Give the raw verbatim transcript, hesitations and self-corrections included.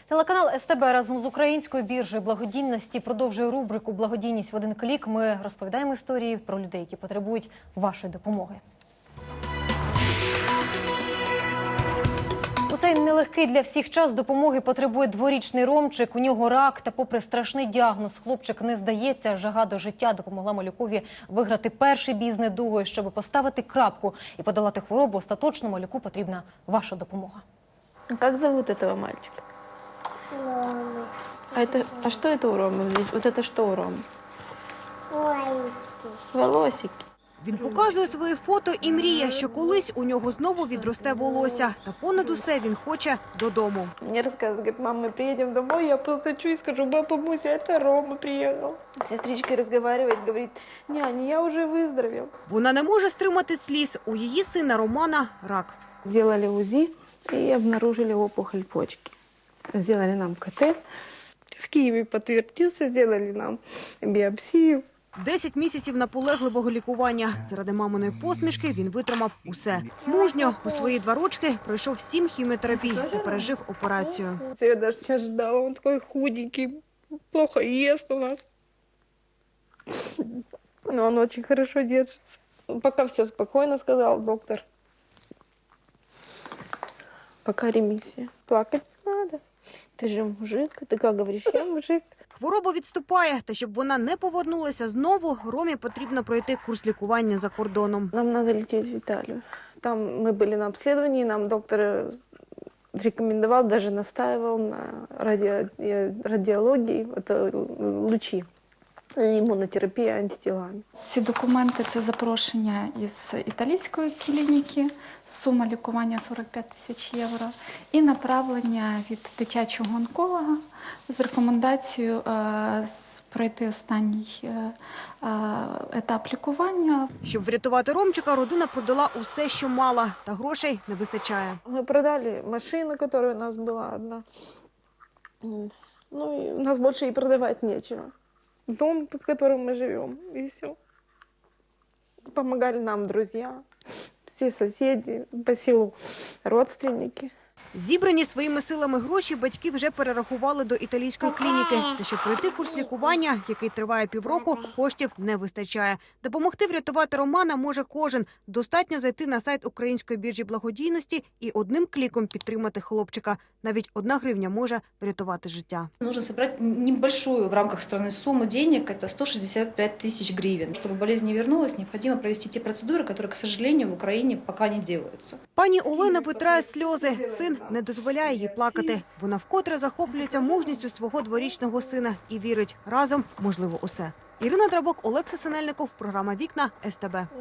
Телеканал ес те бе разом з Українською біржею благодійності продовжує рубрику «Благодійність в один клік». Ми розповідаємо історії про людей, які потребують вашої допомоги. У цей нелегкий для всіх час допомоги потребує дворічний Ромчик. У нього рак, та попри страшний діагноз, хлопчик не здається. Жага до життя допомогла малюкові виграти перший бій з недугою. Щоб поставити крапку і подолати хворобу, остаточно малюку потрібна ваша допомога. Как зовут этого мальчика? Рома. А, это, а что это у Ромы здесь? Вот это что у Ромы? Волосики. Волосики. Він показує свої фото і мріє, що колись у нього знову відросте волосся. Та понад усе він хоче додому. Мне рассказывают, говорит, мам, мы приедем домой, я постучу и скажу, баба Муся, это Рома приехал. Сестричка разговаривает, говорит, няня, я уже выздоровел. Вона не може стримати сліз. У її сина Романа рак. Сделали УЗИ и обнаружили опухоль почки. Сделали нам ка те. В Киеве подтвердился, сделали нам биопсию. Десять місяців наполегливого лікування. Заради маминої посмішки він витримав усе. Мужньо у свої два рочки пройшов сім хіміотерапій та пережив операцію. Я даже сейчас ждала, он такой худенький, плохо ест у нас. Но он очень хорошо держится. Пока все спокойно, сказал доктор. Пока ремиссия. Плакать не надо. Ты же мужик, ты как говоришь, я мужик. Хвороба відступає, та щоб вона не повернулася знову, Ромі потрібно пройти курс лікування за кордоном. Нам надо лететь в Италию. Там мы были на обследовании, нам доктор рекомендовал, даже настаивал на ради... радиологии, это лучи, імунотерапія антитілами. Ці документи – це запрошення із італійської клініки, сума лікування сорок п'ять тисяч євро і направлення від дитячого онколога з рекомендацією е, пройти останній е, е, етап лікування. Щоб врятувати Ромчика, родина продала усе, що мала, та грошей не вистачає. Мы продали машину, которая у нас была одна. Ну, и у нас больше и продавать нечего. Дом, в котором мы живем, и все. Помогали нам друзья, все соседи, по селу родственники. Зібрані своїми силами гроші батьки вже перерахували до італійської клініки. Та щоб пройти курс лікування, який триває півроку, коштів не вистачає. Допомогти врятувати Романа може кожен. Достатньо зайти на сайт Української біржі благодійності і одним кліком підтримати хлопчика. Навіть одна гривня може врятувати життя. Нужно собрать небольшую в рамках страны сумму денег, это сто шестьдесят пять тысяч гривен. Чтобы болезнь не вернулась, необходимо провести те процедуры, которые, к сожалению, в Украине пока не делаются. Пані Олена витирає сльози. Син не дозволяє їй плакати. Вона вкотре захоплюється мужністю свого дворічного сина і вірить, разом можливо усе. Ірина Драбок, Олекса Синельников, програма «Вікна», ес те бе.